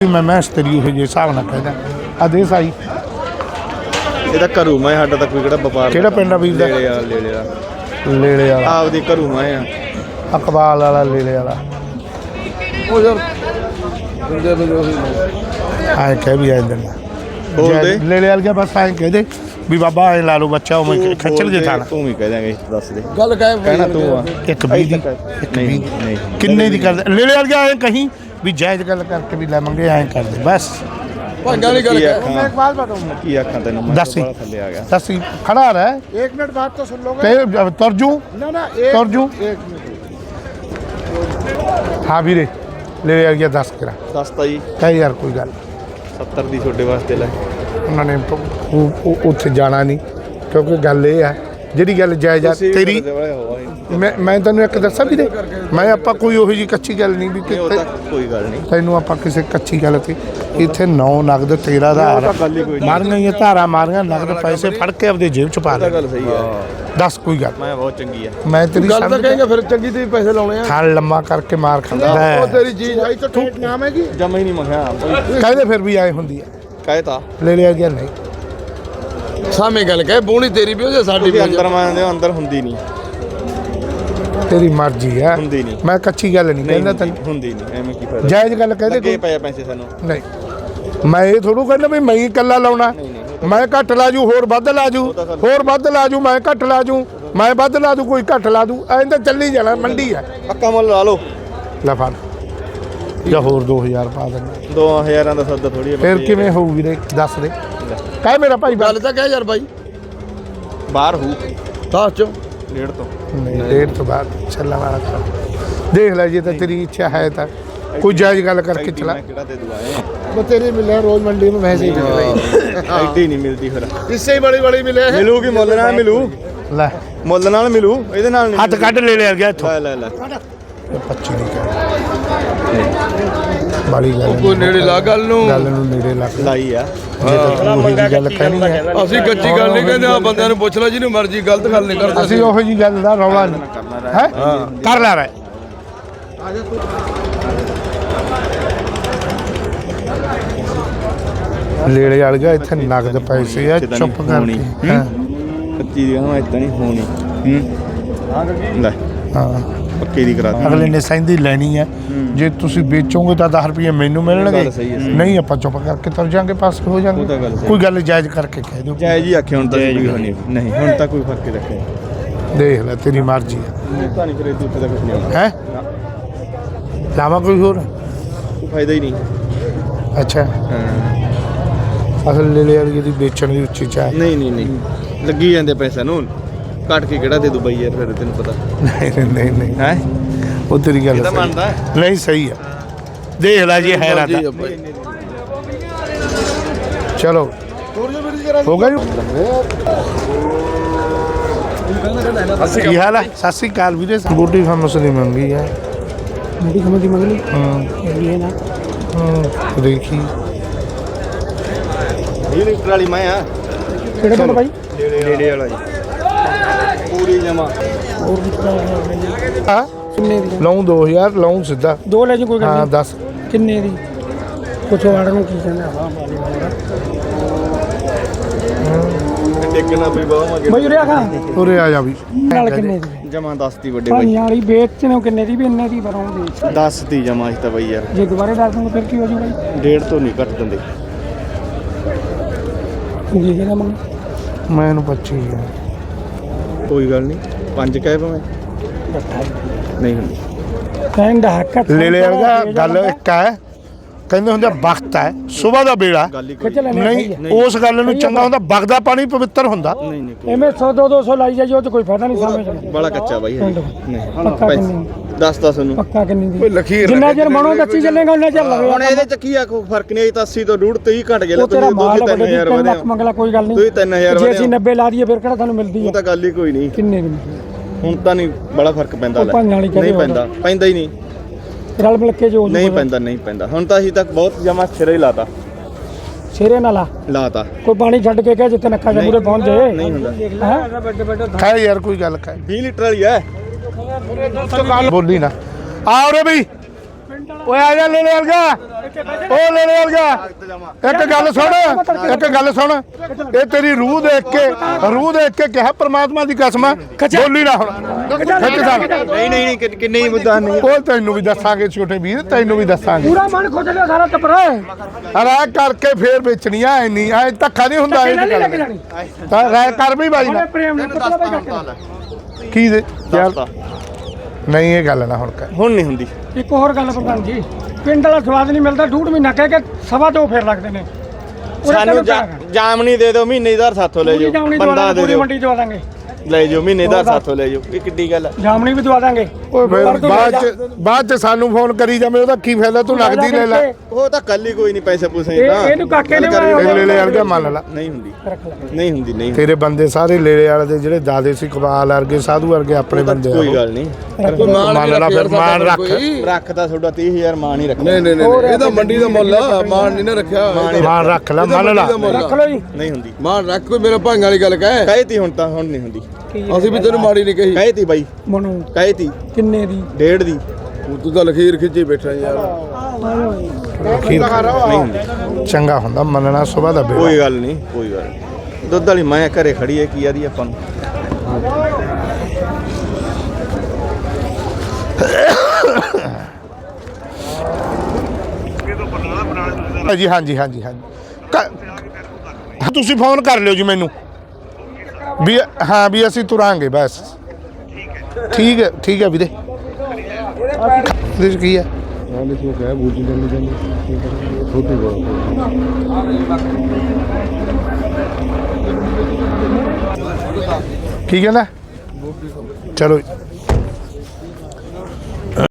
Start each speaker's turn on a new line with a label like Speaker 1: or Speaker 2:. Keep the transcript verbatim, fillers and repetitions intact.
Speaker 1: मैं मैं तेरी हो जे हिसाब ना कहदा आदेश आई
Speaker 2: ਇਹਦਾ ਘਰੂ ਮੈਂ ਸਾਡਾ ਤਾਂ ਕੋਈ ਕਿਹੜਾ ਵਪਾਰ
Speaker 1: ਕਿਹੜਾ ਪਿੰਡ ਆ ਵੀਰ ਦਾ?
Speaker 2: ਲੇਲੇ ਵਾਲਾ ਲੇਲੇ ਵਾਲਾ
Speaker 1: ਲੇਲੇ ਵਾਲਾ
Speaker 2: ਆਪਦੀ ਘਰੂ ਮੈਂ ਆ
Speaker 1: ਅਕਬਾਲ ਵਾਲਾ ਲੇਲੇ ਵਾਲਾ
Speaker 2: ਉਹ ਯਾਰ ਬੰਦੇ ਤੋਂ ਜੋ
Speaker 1: ਆਏ ਕਹਿ ਵੀ ਆਏ ਦਿਨ
Speaker 2: ਬੋਲਦੇ
Speaker 1: ਲੇਲੇ ਵਾਲ ਗਿਆ ਬਸ ਆਏ ਕਹਿ ਦੇ ਵੀ ਬਾਬਾ ਐ ਲਾ ਲਓ ਬੱਚਾ ਉਹ ਮੈਂ ਖੱਚਲ ਜੇ ਥਾਣਾ
Speaker 2: ਤੂੰ ਵੀ ਕਹਿ ਦਾਂਗੇ ਦੱਸ ਦੇ
Speaker 3: ਗੱਲ ਕਹਿ
Speaker 2: ਕਹਿਣਾ ਤੂੰ ਆ
Speaker 1: ਇੱਕ ਵੀਹ ਦੀ ਇੱਕ
Speaker 2: ਨਹੀਂ
Speaker 1: ਵੀਹ
Speaker 2: ਨਹੀਂ
Speaker 1: ਕਿੰਨੇ ਦੀ ਕਰਦੇ ਲੇਲੇ ਵਾਲ ਗਿਆ ਐ ਕਹੀਂ ਵੀ ਜਾਇਜ਼ ਗੱਲ ਕਰਕੇ ਵੀ ਲੈ ਮੰਗੇ ਐ ਕਰਦੇ ਬਸ
Speaker 3: ਭਾਂਗਾ ਨਹੀਂ ਗੱਲ
Speaker 2: ਕੀ
Speaker 3: ਕਹਿ
Speaker 2: ਆਖਾਂ
Speaker 1: एक बात बताऊं
Speaker 2: ਕੀ ਆਖਾਂ ਤੈਨੂੰ ਮੈਂ
Speaker 1: ਦੱਸ ਹੀ।
Speaker 2: ਬੜਾ ਥੱਲੇ ਆ ਗਿਆ
Speaker 1: दस खड़ा रहा
Speaker 3: एक मिनट बात तो सुन लोगे
Speaker 1: है तरजू
Speaker 3: ना ना एक
Speaker 1: तरजू
Speaker 3: एक मिनट
Speaker 1: हाँ वीरे ले यार गया दस करा
Speaker 2: ਦੱਸਤਾ ਜੀ
Speaker 1: कह यार कोई गल
Speaker 2: सत्तर ਦੀ ਛੋਟੇ ਵਾਸਤੇ ਲੈ
Speaker 1: उन्होंने उत्थे जाना नहीं क्योंकि गल ये है ਜਿਹੜੀ ਗੱਲ ਜਾਇਜ਼ ਆ ਤੇਰੀ ਮੈਂ ਮੈਂ ਤੈਨੂੰ ਇੱਕ ਦੱਸਾਂ ਵੀਰੇ ਮੈਂ ਆਪਾਂ ਕੋਈ ਉਹੋ ਜੀ ਕੱਚੀ ਗੱਲ ਨਹੀਂ ਵੀ
Speaker 2: ਉਹ ਤਾਂ ਕੋਈ ਗੱਲ ਨਹੀਂ
Speaker 1: ਤੈਨੂੰ ਆਪਾਂ ਕਿਸੇ ਕੱਚੀ ਗੱਲ ਤੇ ਇੱਥੇ ਨੌ ਨਗਦ ਤੇਰਾ ਦਾ ਮਾਰੀਆਂ ਇਹ ਧਾਰਾ ਮਾਰੀਆਂ ਨਗਦ ਪੈਸੇ ਫੜ ਕੇ ਆਪਦੇ ਜੇਬ ਚ ਪਾ ਲੈ
Speaker 2: ਗੱਲ ਸਹੀ ਹੈ
Speaker 1: ਦੱਸ ਕੋਈ ਗੱਲ
Speaker 2: ਮੈਂ ਬਹੁਤ ਚੰਗੀ ਆ
Speaker 1: ਮੈਂ ਤੇਰੀ
Speaker 3: ਗੱਲ ਤਾਂ ਕਹੇਗਾ ਫਿਰ ਚੰਗੀ ਤੇ ਪੈਸੇ ਲਾਉਣੇ ਆ
Speaker 1: ਖਾਲ ਲੰਮਾ ਕਰਕੇ ਮਾਰ ਖਾਂਦਾ
Speaker 3: ਉਹ ਤੇਰੀ ਚੀਜ਼ ਆਈ ਤਾਂ ਠੇਠ ਨਾਮ ਹੈਗੀ
Speaker 2: ਜਮਾ ਹੀ ਨਹੀਂ ਮਖਿਆ
Speaker 1: ਕਹਿੰਦੇ ਫਿਰ ਵੀ ਆਏ ਹੁੰਦੀ ਹੈ
Speaker 2: ਕਹੇ ਤਾਂ
Speaker 1: ਲੈ ਲਿਆ ਗਿਆ ਨਹੀਂ
Speaker 3: ਸਾਵੇਂ ਗੱਲ ਕਹਿ ਬੋਣੀ ਤੇਰੀ ਵੀ ਉਹ ਸਾਡੀ
Speaker 2: ਤੁਸੀਂ ਅੰਦਰ ਮੰਨਦੇ ਹੋ ਅੰਦਰ ਹੁੰਦੀ ਨਹੀਂ
Speaker 1: ਤੇਰੀ ਮਰਜ਼ੀ ਹੈ
Speaker 2: ਹੁੰਦੀ ਨਹੀਂ
Speaker 1: ਮੈਂ ਕੱਚੀ ਗੱਲ ਨਹੀਂ ਕਹਿੰਦਾ ਤੈਨੂੰ
Speaker 2: ਹੁੰਦੀ ਨਹੀਂ ਐਵੇਂ ਕੀ ਫਾਇਦਾ
Speaker 1: ਜਾਇਜ਼ ਗੱਲ ਕਹਦੇ
Speaker 2: ਲੱਗੇ ਪਏ ਪੈਸੇ ਸਾਨੂੰ
Speaker 1: ਨਹੀਂ ਮੈਂ ਇਹ ਥੋੜੂ ਕਹਿੰਦਾ ਵੀ ਮੈਂ ਹੀ ਇਕੱਲਾ ਲਾਉਣਾ ਮੈਂ ਘੱਟ ਲਾ ਜੂ ਹੋਰ ਵੱਧ ਲਾ ਜੂ ਹੋਰ ਵੱਧ ਲਾ ਜੂ ਮੈਂ ਘੱਟ ਲਾ ਜੂ ਮੈਂ ਵੱਧ ਲਾ ਦੂ ਕੋਈ ਘੱਟ ਲਾ ਦੂ ਐਂ ਤਾਂ ਚੱਲੀ ਜਾਣਾ ਮੰਡੀ ਹੈ
Speaker 2: ਪੱਕਾ ਮੁੱਲ ਲਾ ਲਓ
Speaker 1: ਲੈ ਫੜ ਜਾਂ ਹੋਰ ਦੋ ਹਜ਼ਾਰ ਪਾ ਦੇਣਾ
Speaker 2: ਦੋ ਹਜ਼ਾਰਾਂ ਦਾ ਸੌਦਾ ਥੋੜੀ
Speaker 1: ਫਿਰ ਕਿਵੇਂ ਹੋਊ ਵੀਰੇ ਦੱਸ ਦੇ ਕਹਿ ਮੇਰਾ ਭਾਈ
Speaker 3: ਗੱਲ ਤਾਂ ਕਹਿ ਯਾਰ ਬਾਈ
Speaker 2: ਬਾਹਰ ਹੂ
Speaker 3: ਦਸ ਚੋਂ
Speaker 2: ਡੇਢ ਤੋਂ
Speaker 1: ਨਹੀਂ ਡੇਢ ਤੋਂ ਬਾਅਦ ਚੱਲਣ ਵਾਲਾ ਕੰਮ ਦੇਖ ਲੈ ਜੇ ਤਾਂ ਤੇਰੀ ਇੱਛਾ ਹੈ ਤਾਂ ਕੋਈ ਜਾਇਜ਼ ਗੱਲ ਕਰਕੇ ਚਲਾ
Speaker 2: ਕਿਹੜਾ ਦੇ ਦੁਆਏ
Speaker 1: वो तेरे मिले रोज मंडी में वैसे ही मिल रही
Speaker 2: ਐਡੀ ਨਹੀਂ ਮਿਲਦੀ ਫਿਰ
Speaker 3: इससे ही बड़ी बड़ी मिले हैं
Speaker 2: ਮਿਲੂਗੀ ਮੁੱਲ ਨਾਲ ਮਿਲੂ
Speaker 1: ਲੈ
Speaker 2: ਮੁੱਲ ਨਾਲ ਮਿਲੂ ਇਹਦੇ ਨਾਲ ਨਹੀਂ
Speaker 1: ਹੱਥ ਕੱਢ ਲੈ ਲਿਆ ਗਿਆ ਇੱਥੋਂ
Speaker 2: ਲੈ ਲੈ ਲੈ
Speaker 1: ਪੱਚੀ ਨਹੀਂ ਕਹਿ ਬੜੀ ਗੱਲ
Speaker 3: ਕੋਈ ਨੇੜੇ ਲਾ ਗੱਲ ਨੂੰ
Speaker 1: ਗੱਲ ਨੂੰ ਨੇੜੇ ਲੱਗ
Speaker 2: ਲਾਈ ਆ
Speaker 1: ਜੇ ਤਾਂ ਤੂੰ ਉਹੀ ਜਿਹੀ ਗੱਲ ਕਹਿਣੀ ਹੈ
Speaker 3: ਅਸੀਂ ਕੱਚੀ ਗੱਲ ਨਹੀਂ ਕਹਿੰਦੇ ਆ ਬੰਦਿਆਂ ਨੂੰ ਪੁੱਛ ਲੈ ਜਿਹਨੂੰ ਮਰਜ਼ੀ ਗਲਤ ਗੱਲ ਨਹੀਂ ਕਰਦੇ
Speaker 1: ਅਸੀਂ ਉਹੋ ਜੀ ਗੱਲ ਦਾ ਰੌਲਾ ਨਹੀਂ ਹੈ ਕਰ ਲੈ ਰਹੇ ਲੇੜੇ ਵਾਲ ਗਿਆ ਇੱਥੇ ਨਗਦ ਪੈਸੇ ਆ ਚੁੱਪ ਕਰਕੇ ਹਾਂ
Speaker 2: ਕੱਚੀ ਦੀ ਕਹਿੰਦਾ ਇਦਾਂ ਨਹੀਂ ਹੋਣੀ ਹੂੰ ਲੈ
Speaker 1: ਹਾਂ
Speaker 2: ਪੱਕੀ ਦੀ ਕਰਾ
Speaker 1: ਅਗਲੇ ਨੇ ਸੈਂਦੀ ਲੈਣੀ ਹੈ ਜੇ ਤੁਸੀਂ ਵੇਚੋਗੇ ਤਾਂ ਦਸ ਰੁਪਏ ਮੈਨੂੰ ਮਿਲਣਗੇ ਨਹੀਂ ਆਪਾਂ ਚੁੱਪ ਕਰਕੇ ਤੁਰ ਜਾਾਂਗੇ ਪਾਸ ਹੋ ਜਾਾਂਗੇ ਕੋਈ ਗੱਲ ਜਾਇਜ਼ ਕਰਕੇ ਕਹਿ ਦਿਓ
Speaker 2: ਜਾਇਜ਼ ਹੀ ਆਖੇ ਹੁਣ ਤਾਂ ਕੋਈ ਹੋਣੀ ਨਹੀਂ ਹੁਣ ਤਾਂ ਕੋਈ ਫਰਕ ਰੱਖਿਆ
Speaker 1: ਦੇਖ ਲੈ ਤੇਰੀ ਮਰਜ਼ੀ ਹੈ
Speaker 2: ਤਾਂ ਨਹੀਂ ਫਿਰ ਇਹ ਉੱਤੇ ਦਾ ਕੁਝ ਨਹੀਂ ਆਉਣਾ
Speaker 1: ਹੈ ਲਾਵਾ ਕੋਈ ਹੋਰ
Speaker 2: ਕੋਈ ਫਾਇਦਾ ਹੀ ਨਹੀਂ
Speaker 1: ਅੱਛਾ ਅਸਲ ਲੈ ਲੈ ਵਾਲੀ ਦੀ ਵੇਚਣ ਦੀ ਉੱਚੀ ਚਾਹ
Speaker 2: ਨਹੀਂ ਨਹੀਂ ਨਹੀਂ ਲੱਗੀ ਜਾਂਦੇ ਪੈਸਾ ਨੂੰ ਕੱਟ ਕੇ ਕਿਹੜਾ ਦੇ ਦੂ ਬਈ ਯਾਰ ਫਿਰ ਤੈਨੂੰ ਪਤਾ
Speaker 1: ਨਹੀਂ ਨਹੀਂ ਨਹੀਂ
Speaker 2: ਹੈ
Speaker 1: ਉਹ ਤੇਰੀ ਗੱਲ
Speaker 2: ਇਹ ਤਾਂ
Speaker 1: ਸਹੀ।
Speaker 2: ਮੰਨਦਾ
Speaker 1: ਨਹੀਂ ਸਹੀ ਹੈ ਦੇਖ ਲੈ ਜੀ ਹੈ ਰਾਤਾ ਚਲੋ ਹੋ ਗਿਆ ਜੀ ਕੀ ਹਾਲ ਹੈ ਸਤਿ ਸ੍ਰੀ ਅਕਾਲ ਵੀਰੇ ਬੂਟੀ ਫਾਰਮਸ ਦੀ ਮੰਗੀ ਹੈ
Speaker 4: ਬੂਟੀ ਫਾਰਮਸ ਦੀ ਮੰਗੀ
Speaker 1: ਹਾਂ
Speaker 4: ਇਹ ਨਾ
Speaker 1: ਹਾਂ ਦੇਖੀ
Speaker 2: ਇਹ ਲੀਟਰ ਵਾਲੀ ਮੈਂ ਆ
Speaker 4: ਕਿਹੜੇ ਪਿੰਡ ਭਾਈ
Speaker 2: ਨੇੜੇ ਵਾਲਾ ਜੀ ਪੂਰੀ ਜਮਾ
Speaker 4: ਹੋਰ
Speaker 1: ਹਾਂ
Speaker 4: ਕਿੰਨੇ ਦੀ
Speaker 1: ਲਾਉਂ ਦੋ ਹਜ਼ਾਰ ਲਾਉਂ ਸਿੱਧਾ
Speaker 4: ਦੋ ਲੈ ਜੀ ਕੋਈ ਗੱਲ
Speaker 1: ਹਾਂ
Speaker 4: ਨਹੀਂ
Speaker 1: ਦੱਸ
Speaker 4: ਕਿੰਨੇ ਦੀ ਕੁਛ ਵਾੜ ਨੂੰ ਕੀ ਕਹਿੰਦਾ ਹਾਂ
Speaker 2: ਟੇਕਣਾ ਵੀ ਬਹੁਤ ਮਗੇ
Speaker 4: ਬਈ ਉਰੇ ਆ ਖਾ
Speaker 1: ਉਰੇ ਆ ਜਾ ਵੀ
Speaker 4: ਨਾਲ ਕਿੰਨੇ ਦੀ
Speaker 2: ਜਮਾ ਦਸ ਦੀ ਵੱਡੇ ਬਾਈ
Speaker 4: ਭਾਈਆਂ ਵਾਲੀ ਵੇਚ ਨੂੰ ਕਿੰਨੇ ਦੀ ਵੀ ਇੰਨੇ ਦੀ ਬਰੋਂ ਵੇਚ
Speaker 2: ਦਸ ਦੀ ਜਮਾ ਇਸ ਤਾਂ ਬਈ ਯਾਰ
Speaker 4: ਜੇ ਦੁਬਾਰੇ ਦੱਸ ਦੂੰਗਾ ਫਿਰ ਕੀ ਹੋ ਜੂ ਬਾਈ
Speaker 2: ਡੇਢ ਤੋਂ ਨਹੀਂ ਘੱਟ ਦਿੰਦੇ
Speaker 4: ਜੀ ਜਿਹੜਾ ਮੰਗ
Speaker 1: ਮੈਂ ਇਹਨੂੰ ਪੱਚੀ ਹੈ
Speaker 2: ਕੋਈ ਗੱਲ ਨਹੀਂ ਪੰਜ ਕਹਿ ਭਾਵੇਂ ਨਹੀਂ ਹੁੰਦੀ
Speaker 4: ਕਹਿੰਦਾ ਹੱਕ
Speaker 1: ਲੈ ਲੈ ਵਾਲਾ ਗੱਲ ਇੱਕ ਹੈ ਕਹਿੰਦੇ ਹੁੰਦੇ ਵਕਤ ਹੈ ਸਵੇਰ ਦਾ ਵੇਲਾ
Speaker 2: ਗੱਲ ਹੀ
Speaker 4: ਖਿੱਚ ਲੈਣੇ
Speaker 1: ਨਹੀਂ ਉਸ ਗੱਲ ਨੂੰ ਚੰਗਾ ਹੁੰਦਾ ਵਗਦਾ ਪਾਣੀ ਪਵਿੱਤਰ ਹੁੰਦਾ
Speaker 2: ਨਹੀਂ ਨਹੀਂ
Speaker 4: ਐਵੇਂ ਸੌ ਦੋ ਦੋ ਸੌ ਲਾਈ ਜਾਈਏ ਉਹ ਚ ਕੋਈ ਫਾਇਦਾ ਨਹੀਂ ਸਮਝ
Speaker 2: ਬੜਾ ਕੱਚਾ ਬਾਈ
Speaker 4: ਪਿੰਡ
Speaker 2: ਨਹੀਂ
Speaker 4: ਪੱਕਾ ਕਿੰਨੀ
Speaker 2: ਦੱਸ ਦੱਸ ਉਹਨੂੰ
Speaker 4: ਪੱਕਾ ਕਿੰਨੀ ਦੀ
Speaker 3: ਕੋਈ ਲਖੀਰ
Speaker 4: ਜਿੰਨਾ ਚਿਰ ਮਨੋਂ ਕੱਚੀ ਚੱਲੇਗਾ ਉਹਨਾਂ ਚਿਰ ਲਵੇ
Speaker 2: ਹੁਣ ਇਹਦੇ ਚ ਕੀ ਆ ਕੋਈ ਫਰਕ ਨਹੀਂ ਤਾਂ ਅੱਸੀ ਤੋਂ ਡੂਢ ਤੀਹ ਘਟ ਗਿਆ
Speaker 4: ਉਹ ਤੇਰਾ ਮਾਲ
Speaker 2: ਤੁਸੀਂ
Speaker 4: ਵੱਡੇ
Speaker 2: ਤਿੰਨ ਹਜ਼ਾਰ
Speaker 4: ਤਿੰਨ
Speaker 2: ਵਧੇ
Speaker 4: ਲੱਖ ਮੰਗਲਾ ਕੋਈ ਗੱਲ ਨਹੀਂ
Speaker 2: ਤੁਸੀਂ ਤਿੰਨ ਹਜ਼ਾਰ
Speaker 4: ਜੇ
Speaker 2: ਵਧੇ
Speaker 4: ਅਸੀਂ ਨੱਬੇ ਲਾ ਦਈਏ ਫਿਰ ਕਿਹੜਾ ਤੁਹਾਨੂੰ ਮਿਲਦੀ
Speaker 2: ਉਹ
Speaker 4: ਹੈ
Speaker 2: ਤਾਂ ਗੱਲ ਹੀ ਕੋਈ ਨਹੀਂ
Speaker 4: ਕਿੰਨੇ ਦੀ
Speaker 2: ਹੁਣ ਤਾਂ ਨਹੀਂ ਬੜਾ ਫਰਕ ਪੈਂਦਾ ਲੈ
Speaker 4: ਭਾਈਆਂ ਵਾਲੀ ਕਦੇ
Speaker 2: ਨਹੀਂ ਪੈਂਦਾ ਪੈਂਦਾ ਹੀ ਨਹੀਂ
Speaker 4: ਰਲ ਮਿਲ ਕੇ ਜੋ
Speaker 2: ਨਹੀਂ ਪੈਂਦਾ ਨਹੀਂ ਪੈਂਦਾ ਹੁਣ ਤਾਂ ਅਸੀਂ ਤੱਕ ਬਹੁਤ ਜਮਾ ਸਿਰੇ ਹੀ ਲਾਤਾ
Speaker 4: ਸਿਰੇ ਨਾਲ ਲਾ
Speaker 2: ਲਾਤਾ
Speaker 4: ਕੋਈ ਪਾਣੀ ਛੱਡ ਕੇ ਕਹਿ ਜਿੱਥੇ ਨੱਕਾ ਦੇ ਮੂਰੇ ਪਹੁੰਚ ਜਾਏ
Speaker 2: ਨਹੀਂ ਹੁੰਦਾ
Speaker 1: ਖਾਏ ਯਾਰ ਕੋਈ ਗੱਲ ਖਾਏ
Speaker 2: ਵੀਹ ਲੀਟਰ ਵਾਲੀ ਹੈ
Speaker 1: ਬੋਲੀ ਨਾ ਆ ਉਰੇ ਬਈ ਓਏ ਆ ਜਾ ਲੈ ਲੈ ਵਰਗਾ ਉਹ ਲੈ ਲੈ ਗਿਆ ਇੱਕ ਗੱਲ ਸੁਣ ਇੱਕ ਗੱਲ ਸੁਣ ਇਹ ਤੇਰੀ ਰੂਹ ਦੇਖ ਕੇ ਰੂਹ ਦੇਖ ਕੇ ਕਿਹਾ ਪ੍ਰਮਾਤਮਾ ਦੀ ਕਸਮ ਆ, ਬੋਲੀ ਨਾ ਹੁਣ ਖਿੱਚ ਸਾਲ
Speaker 2: ਨਹੀਂ ਨਹੀਂ ਨਹੀਂ ਕਿ- ਕਿੰਨੇ ਹੀ ਮੁੱਦਾ ਨਹੀਂ
Speaker 1: ਉਹ ਤੈਨੂੰ ਵੀ ਦੱਸਾਂਗੇ ਛੋਟੇ ਵੀਰ ਤੈਨੂੰ ਵੀ ਦੱਸਾਂਗੇ
Speaker 4: ਪੂਰਾ ਮਨ ਖੁੱਜ ਲਿਆ ਸਾਰਾ ਟੱਬਰ
Speaker 1: ਰਾਹ ਕਰਕੇ ਫੇਰ ਵੇਚਣੀ ਆ ਇੰਨੀ ਐ ਧੱਕਾ ਨਹੀਂ ਹੁੰਦਾ ਇਹ
Speaker 4: ਨਹੀਂ ਲੈ ਕੇ
Speaker 1: ਗੱਲ
Speaker 4: ਜਾਣੀ
Speaker 1: ਤਾਂ ਰਾਹ ਕਰ ਵੀ ਬਾਈ ਨਾ
Speaker 4: ਉਹਨੇ ਪ੍ਰੇਮ ਨੇ ਪਤਲਾ ਬਾਈ ਕਰਕੇ
Speaker 1: ਕੀ ਦੇ ਯਾਰ ਨਹੀਂ ਇਹ ਗੱਲ ਨਾ ਹੁਣ ਕਰ
Speaker 2: ਹੁਣ ਨਹੀਂ ਹੁੰਦੀ
Speaker 4: ਇੱਕ ਹੋਰ ਗੱਲ ਪ੍ਰਧਾਨ ਜੀ ਪਿੰਡ ਵਾਲਾ ਸਵਾਦ ਨਹੀਂ ਮਿਲਦਾ ਡੂਢ ਮਹੀਨਾ ਕਹਿ ਕੇ ਸਵਾ ਦੋ ਫੇਰ ਲੱਗਦੇ ਨੇ ਉਹਨੇ
Speaker 2: ਸਾਨੂੰ
Speaker 4: ਤੈਨੂੰ
Speaker 2: ਜਾ-
Speaker 4: ਕਿਹਾ
Speaker 2: ਜਾਮਣੀ ਦੇ ਦਿਓ ਮਹੀਨੇ ਦਾ ਸਾਥੋਂ ਲੈ
Speaker 4: ਪੂਰੀ
Speaker 2: ਜਾਓ
Speaker 4: ਜਾਮਣੀ
Speaker 2: ਬੰਦਾ
Speaker 4: ਦਵਾ
Speaker 2: ਦੇ
Speaker 4: ਪੂਰੀ
Speaker 2: ਦਿਓ
Speaker 4: ਮੰਡੀ ਦਵਾ ਦਾਂਗੇ
Speaker 2: ਲੈ ਜਾਓ ਮਹੀਨੇ ਦਾ ਸਾਥੋਂ ਲੈ ਜਾਓ ਇਹ ਕਿੱਡੀ ਗੱਲ ਆ
Speaker 4: ਜਾਮਣੀ ਵੀ ਦਵਾ ਦਾਂਗੇ
Speaker 1: ਓਏ ਫਿਰ ਬਾਅਦ ਚ ਬਾਅਦ ਚ ਸਾਨੂੰ ਫੋਨ ਕਰੀ ਜਾਵੇਂ ਉਹਦਾ ਕੀ ਫਾਇਦਾ ਤੂੰ ਨਗਦੀ ਲੈ ਲੈ
Speaker 2: ਉਹ ਤਾਂ ਕੱਲ ਹੀ ਕੋਈ ਨਹੀਂ ਪੈਸੇ ਪੂਸੇ
Speaker 4: ਇਹ-
Speaker 2: ਤਾਂ
Speaker 4: ਇਹਨੂੰ ਕਾਕੇ ਨੇ
Speaker 2: ਗੱਲ ਕਰੀ
Speaker 4: ਬਣਾਇਆ
Speaker 1: ਲੈ ਲੈ ਯਾਰ ਕੇ ਮੰਨ ਲਾ
Speaker 2: ਨਹੀਂ ਹੁੰਦੀ
Speaker 4: ਰੱਖ ਲੈ
Speaker 2: ਨਹੀਂ ਹੁੰਦੀ ਨਹੀਂ
Speaker 1: ਤੇਰੇ ਬੰਦੇ ਸਾਰੇ ਲੇਲੇ ਵਾਲੇ ਦੇ ਜਿਹੜੇ ਦਾਦੇ ਸੀ ਕਬਾਲ ਵਰਗੇ ਸਾਧੂ ਵਰਗੇ ਆਪਣੇ ਬੰਦੇ ਆ
Speaker 2: ਕੋਈ
Speaker 1: ਉਹ।
Speaker 2: ਗੱਲ ਨਹੀਂ
Speaker 3: ਕੋਈ ਮਾਣ
Speaker 1: ਮੰਨ ਲਾ ਫਿਰ ਮਾਣ ਰੱਖ
Speaker 2: ਰੱਖਦਾ ਤੁਹਾਡਾ ਤੀਹ ਹਜ਼ਾਰ ਮਾਂ ਨਹੀਂ ਰੱਖਦਾ
Speaker 3: ਨਹੀਂ ਨਹੀਂ ਨਹੀਂ ਇਹਦਾ ਮੰਡੀ ਦਾ ਮੁੱਲ ਆ ਮਾਣ ਨਹੀਂ ਨਾ ਰੱਖਿਆ
Speaker 1: ਮਾਣ ਰੱਖ ਲੈ ਮੰਨ ਲਾ
Speaker 4: ਰੱਖ ਲਓ ਜੀ
Speaker 2: ਨਹੀਂ ਹੁੰਦੀ
Speaker 3: ਮਾਣ ਰੱਖ ਕੋਈ ਮੇਰੇ ਭਾਂਗ ਵਾਲੀ ਗੱਲ ਕਹਿ
Speaker 2: ਕਹਿਤੀ ਹੁਣ ਤਾਂ ਹੁਣ ਨਹੀਂ ਹੁੰਦੀ
Speaker 3: ਅਸੀਂ ਵੀ ਤੈਨੂੰ ਮਾੜੀ ਨਹੀਂ ਕਹੀ
Speaker 2: ਕਹਿਤੀ ਬਾਈ
Speaker 4: ਮਨੂ
Speaker 2: ਕਹਿਤੀ
Speaker 4: ਕਿੰਨੇ ਦੀ
Speaker 2: ਡੇਢ ਦੀ
Speaker 3: ਤੂੰ ਤਾਂ ਲਖੀਰ ਖਿੱਚੀ ਬੈਠਾ ਯਾਰ
Speaker 1: ਅਖੀਰ
Speaker 2: ਨਹੀਂ ਹੁੰਦੀ
Speaker 1: ਚੰਗਾ ਹੁੰਦਾ ਮੰਨਣਾ ਸੁਬਾਹ ਦਾ ਬੇੜਾ
Speaker 2: ਕੋਈ ਗੱਲ ਨਹੀਂ ਕੋਈ ਗੱਲ ਨਹੀਂ ਦੁੱਧ ਵਾਲੀ ਮਾਂ ਘਰੇ ਖੜੀ ਹੈ ਕੀ ਆਦੀ ਆਪਾਂ ਨੂੰ
Speaker 1: ਜੀ ਹਾਂਜੀ ਹਾਂਜੀ ਹਾਂਜੀ ਕ- ਤੁਸੀਂ ਫੋਨ ਕਰ ਲਿਓ ਜੀ ਮੈਨੂੰ ਵੀ ਹਾਂ ਵੀ ਅਸੀਂ ਤੁਰਾਂਗੇ ਬਸ ਠੀਕ ਹੈ ਠੀਕ ਹੈ ਵੀਰੇ ਇਹਦੇ 'ਚ ਕੀ ਹੈ ਕੀ ਕਹਿੰਦਾ ਚਲੋ ਜੀ।